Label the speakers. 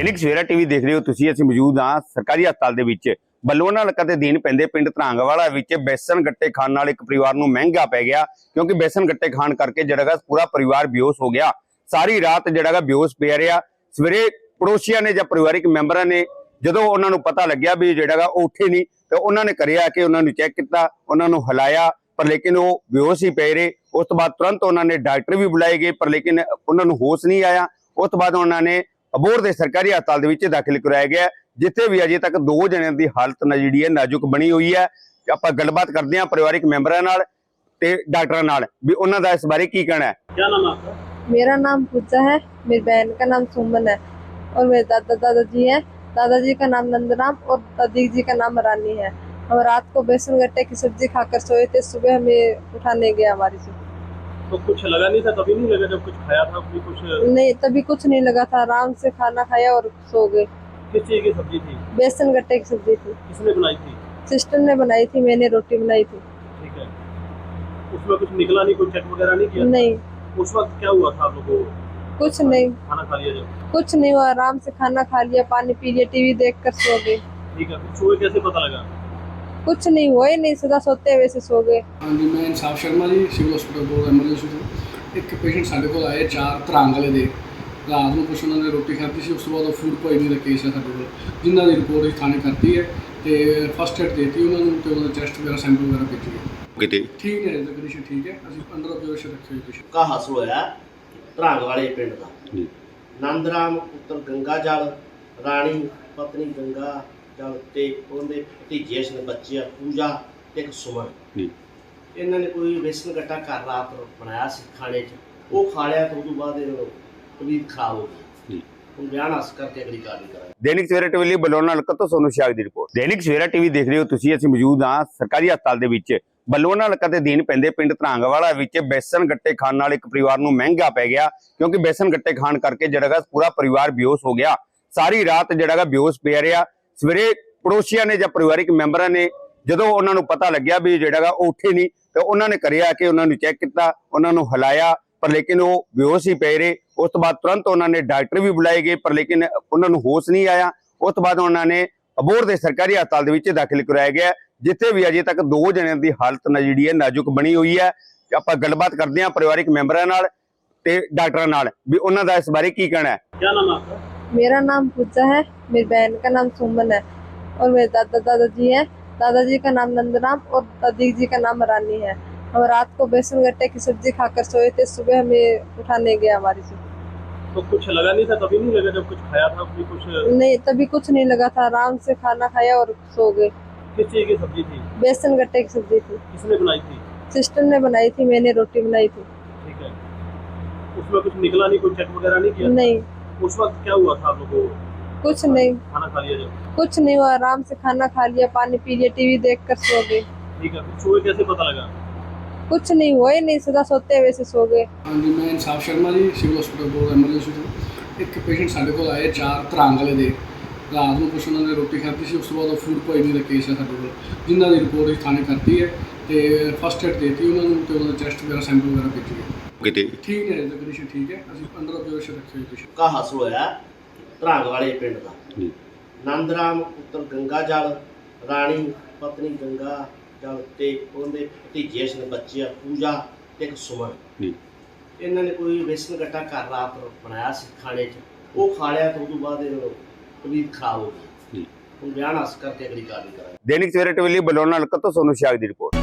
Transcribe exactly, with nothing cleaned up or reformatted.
Speaker 1: दैनिक सवेरा टीवी देख रहे हो तुसीं। असीं मौजूद हाँ सरकारी हस्पताल दे विच बलूआना हलका ते दीन पैंदे पिंड धरांगवाला विच बेसन गट्टे खाण नाल एक परिवार नूं महंगा पै गया, क्योंकि बेसन गट्टे खाण करके जिहड़ा गा पूरा परिवार बेहोश हो गया। सारी रात जिहड़ा गा बेहोश पिया रहा। सवेरे पड़ोसियां ने जां परिवारिक मैंबरां ने जदों उन्हां नूं पता लग्या भी जिहड़ा गा ओह उठे नहीं, तो उन्हां ने करिया कि उन्हां नूं चैक कीता, उन्हां नूं हिलाया, पर लेकिन वो बेहोश ही पे रहे। उस तो बाद तुरंत उन्होंने डॉक्टर भी बुलाए गए, पर लेकिन उन्होंने होश नहीं आया। उस तो बाद उन्होंने अबोहर के सरकारी हस्पताल के दाखिल कराया गया, जिथे भी अजे तक दो जणियां की हालत ना जी है नाजुक बनी हुई है। आप गलबात करते हैं परिवारिक मैंबरां नाल ते डॉक्टरां नाल भी उन्हां दा इस बारे की कहना है। क्या नाम आपका?
Speaker 2: मेरा नाम पूजा है, मेरी बहन का नाम सुमन है और मेरे दादा दादाजी हैं। दादाजी का नाम नंदराम और दादी जी का नाम रानी है। हम रात को बेसन गट्टे की सब्जी खाकर सोए थे, सुबह हमें उठाने गया हमारी से।
Speaker 3: तो कुछ लगा नहीं था? तभी नहीं लगा जब कुछ खाया था? अपनी कुछ
Speaker 2: नहीं, तभी कुछ नहीं लगा था। आराम से खाना खाया और सो गए।
Speaker 3: किस चीज की सब्जी थी?
Speaker 2: बेसन गट्टे की सब्जी थी।
Speaker 3: किसने बनाई थी?
Speaker 2: सिस्टर ने बनाई थी, मैंने रोटी बनाई थी।
Speaker 3: ठीक है, उसमें कुछ निकला नहीं? कोई चेक वगैरह नहीं किया?
Speaker 2: नहीं।
Speaker 3: उस वक्त क्या हुआ था आप लोगों को?
Speaker 2: कुछ नहीं,
Speaker 3: खाना खा लिया जब?
Speaker 2: कुछ नहीं हुआ। आराम से खाना खा लिया, पानी पी लिया, टीवी देख कर सो गए।
Speaker 3: ठीक है, फिर सुबह कैसे पता लगा?
Speaker 2: कुछ नहीं हुआ ही नहीं, सदा सोते हुए से सो गए।
Speaker 4: हाँ जी, मैं Insaf Sharma ji, civil hospital board emergency ਤੋਂ एक पेशेंट साढ़े को आए चार ਧਰਾਂਗ वाले ਦੇ रात ਨੂੰ कुछ उन्होंने रोटी खाधी ਸੀ। ਉਸ ਤੋਂ ਬਾਅਦ ਫੂਡ ਪੋਇਜ਼ਨਿੰਗ ਦਾ ਕੇਸ ਹੈ ਸਾਡੇ ਕੋਲ, ਜਿਨ੍ਹਾਂ ਦੀ ਰਿਪੋਰਟ ਅਸੀਂ ਥਾਣੇ ਕਰਤੀ ਹੈ ਤੇ ਫਸਟ ਏਡ ਦੇਤੀ ਉਹਨਾਂ ਨੂੰ ਤੇ ਉਹਨਾਂ ਦਾ ਟੈਸਟ ਵਗੈਰਾ ਸੈਂਪਲ ਵਗੈਰਾ ਭੇਜੀ ਹੈ।
Speaker 1: किते
Speaker 4: ਠੀਕ ਹੈ ਜੀ, ਕੰਡੀਸ਼ਨ ਠੀਕ ਹੈ। ਅਸੀਂ ਅੰਡਰ ਆਬਜ਼ਰਵੇਸ਼ਨ ਰੱਖੇ ਹੋਏ ਪੇਸ਼ੈਂਟ।
Speaker 5: का हासिल होया धरांग वाले पिंड का
Speaker 1: जी
Speaker 5: नंदराम पुत्र गंगा जल राणी पत्नी गंगा जल ते उनके भतीजे ने बच्चे आ पूजा ते एक सुमन
Speaker 1: जी
Speaker 5: इन्हों ने कोई बेसन गट्टा घर रात बनाया सी खाने च, वो खा लिया तो उस बाद तबीयत खराब हो गई।
Speaker 1: जी
Speaker 5: हम बयान हासिल करके अगली कार्रवाई करांगे।
Speaker 1: दैनिक सवेरा टीवी ਲਈ ਬਲੂਆਣਾ ਹਲਕਾ ਤੋਂ ਸੋਨੂ ਸ਼ਾਗ ਦੀ ਰਿਪੋर्ट। दैनिक सवेरा टीवी देख रहे हो ਤੁਸੀਂ। ਅਸੀਂ ਮੌਜੂਦ ਹਾਂ ਸਰਕਾਰੀ ਹਸਪਤਾਲ ਦੇ ਵਿੱਚ ਬਲੂਆਣਾ ਹਲਕਾ ਤੇ ਦੀਨ ਪੈਂਦੇ ਪਿੰਡ ਧਰਾਂਗਵਾਲਾ ਵਿੱਚ बेसन गट्टे खाण ਨਾਲ ਇੱਕ परिवार ਨੂੰ महंगा पै गया, क्योंकि बेसन गट्टे खाण करके ਜਿਹੜਾ ਗਾ पूरा परिवार बेहोश हो गया। सारी रात ਜਿਹੜਾ ਗਾ बेहोश ਪਿਆ ਰਿਹਾ। ਸਵੇਰੇ ਪੜੋਸੀਆਂ ਨੇ ਜਾਂ ਪਰਿਵਾਰਿਕ ਮੈਂਬਰਾਂ ਨੇ ਜਦੋਂ ਉਹਨਾਂ ਨੂੰ ਪਤਾ ਲੱਗਿਆ ਵੀ ਜਿਹੜਾ ਗਾ ਉਹ ਉੱਠੇ ਨਹੀਂ, ਤੇ ਉਹਨਾਂ ਨੇ ਕਰਿਆ ਕਿ ਉਹਨਾਂ ਨੂੰ ਚੈੱਕ ਕੀਤਾ, ਉਹਨਾਂ ਨੂੰ ਹਿਲਾਇਆ, पर लेकिन वो बेहोश ही पे रहे। उस तो बाद तुरंत उन्होंने डॉक्टर भी बुलाए गए, पर लेकिन उन्होंने होश नहीं आया। उस तो बाद उन्होंने अबोहर के सरकारी हस्पताल के दाखिल कराया गया, जिथे भी अजे तक दो जणियां की हालत ना जी है नाजुक बनी हुई है। आप गलबात करते हैं परिवारिक मैंबरां नाल ते डॉक्टरां नाल भी उन्हां दा इस बारे की कहना है।
Speaker 3: क्या नाम आपका?
Speaker 2: मेरा नाम पूजा है, मेरी बहन का नाम सुमन है और मेरे दादा दादाजी हैं। दादाजी का नाम नंदराम और दादी जी का नाम रानी है। हम रात को बेसन गट्टे की सब्जी खाकर सोए थे, सुबह हमें उठाने गया हमारी से।
Speaker 3: तो कुछ लगा नहीं था? तभी नहीं लगा जब कुछ खाया था? अपनी कुछ
Speaker 2: नहीं, तभी कुछ नहीं लगा था। आराम से खाना खाया और सो गए।
Speaker 3: किस चीज की सब्जी थी?
Speaker 2: बेसन गट्टे की सब्जी थी।
Speaker 3: किसने बनाई थी?
Speaker 2: सिस्टर ने बनाई थी, मैंने रोटी बनाई थी।
Speaker 3: ठीक है, उसमें कुछ निकला नहीं? कोई चेक वगैरह नहीं किया?
Speaker 2: नहीं।
Speaker 3: उस वक्त क्या हुआ था आप लोगों को?
Speaker 2: कुछ नहीं,
Speaker 3: खाना खा लिया जब?
Speaker 2: कुछ नहीं हुआ। आराम से खाना खा लिया, पानी पी लिया, टीवी देख कर सो गए।
Speaker 3: ठीक है, फिर सुबह कैसे पता लगा?
Speaker 2: कुछ नहीं हुआ ही नहीं, सदा सोते हुए से सो गए।
Speaker 4: हाँ जी, मैं Insaf Sharma ji, civil hospital board emergency ਤੋਂ एक पेशेंट साढ़े को आए चार ਧਰਾਂਗ ਵਾਲੇ ਦੇ ਰਾਤ ਨੂੰ ਕੁਛ ਉਹਨਾਂ ਨੇ ਰੋਟੀ ਖਾਧੀ ਸੀ। ਉਸ ਤੋਂ ਬਾਅਦ ਫੂਡ ਪੋਇਜ਼ਨਿੰਗ ਦਾ ਕੇਸ ਹੈ ਸਾਡੇ ਕੋਲ, ਜਿਨ੍ਹਾਂ ਦੀ ਰਿਪੋਰਟ ਅਸੀਂ ਥਾਣੇ ਕਰਤੀ ਹੈ ਤੇ ਫਸਟ ਏਡ ਦੇਤੀ ਉਹਨਾਂ ਨੂੰ ਤੇ ਉਹਨਾਂ ਦਾ ਟੈਸਟ ਵਗੈਰਾ ਸੈਂਪਲ ਵਗੈਰਾ ਭੇਜੀ ਹੈ।
Speaker 1: किते
Speaker 4: ठीक है, कंडीशन ठीक है। ਅਸੀਂ ਅੰਡਰ ਆਬਜ਼ਰਵੇਸ਼ਨ ਰੱਖੇ ਹੋਏ ਪੇਸ਼ੈਂਟ।
Speaker 5: का हासिल होया धरांग वाले पिंड का
Speaker 1: जी
Speaker 5: नंदराम पुत्र गंगा जल राणी पत्नी गंगा जल ते उनके भतीजे ने बच्चे आ पूजा ते एक सुमन
Speaker 1: जी
Speaker 5: इन्हों ने कोई बेसन गट्टा घर रात बनाया सी खाने च, वो खा लिया तो उस बाद तबीयत खराब हो गई।
Speaker 1: जी
Speaker 5: हम बयान हासिल करके अगली कार्रवाई करांगे।
Speaker 1: दैनिक सवेरा टीवी ਲਈ ਬਲੂਆਣਾ ਹਲਕਾ ਤੋਂ ਸੋਨੂ ਸ਼ਾਗ ਦੀ ਰਿਪੋर्ट।